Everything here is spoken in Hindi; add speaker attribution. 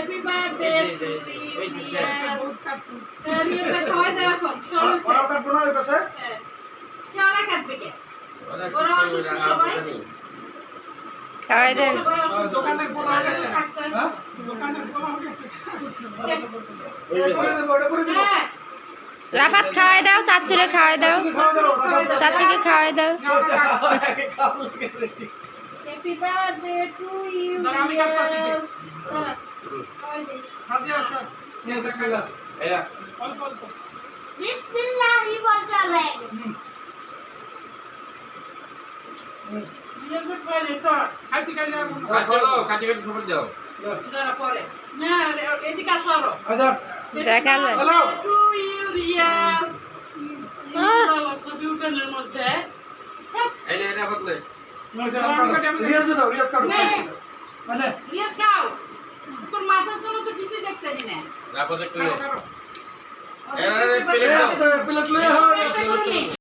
Speaker 1: Happy birthday to you. ये पे खावा जाओ कौन?
Speaker 2: और काट बना है कैसे?
Speaker 1: क्या और काट बेटे? और असुस्थ सबाई?
Speaker 3: খাওয়াই দেন
Speaker 4: দোকানের পোলা গেছে
Speaker 2: हाँ?
Speaker 4: দোকানের পোলা গেছে
Speaker 2: बड़े बड़े दो।
Speaker 3: রাফাত খাওয়াই দাও চাচুরে খাওয়াই দাও চাচুকে খাওয়াই দাও
Speaker 1: Happy birthday to you.
Speaker 4: দাঁড়া, আমি কাটতাছি কে?
Speaker 1: খাওয়াই দে।
Speaker 4: হাদিয়া স্যার
Speaker 2: ये बिस्मिल्लाह।
Speaker 4: অল্প অল্প
Speaker 5: বিসমিল্লাহি বলতে হবে
Speaker 1: ये भी पहले सर
Speaker 4: খাইতে খাই যাবো
Speaker 6: কাটি কাটি সবাই দাও
Speaker 1: जरा পরে না এদিকে সরো
Speaker 2: आदर।
Speaker 3: দেখালে
Speaker 2: हेलो।
Speaker 1: টু ইউ রিয়াল আল্লাহ ছবি উঠানোর মধ্যে
Speaker 6: এই নে এটা বদলে
Speaker 2: रियाज दे दो रियाज काटो। मैंने
Speaker 1: ইয়েস খাও তোর মাথার জন্য তো কিছু দেখতে নি না
Speaker 6: রাপা দেখতে
Speaker 4: কাটো
Speaker 6: এরা প্লেট
Speaker 2: रियाज प्लेट ले आओ।
Speaker 1: চেষ্টা করুন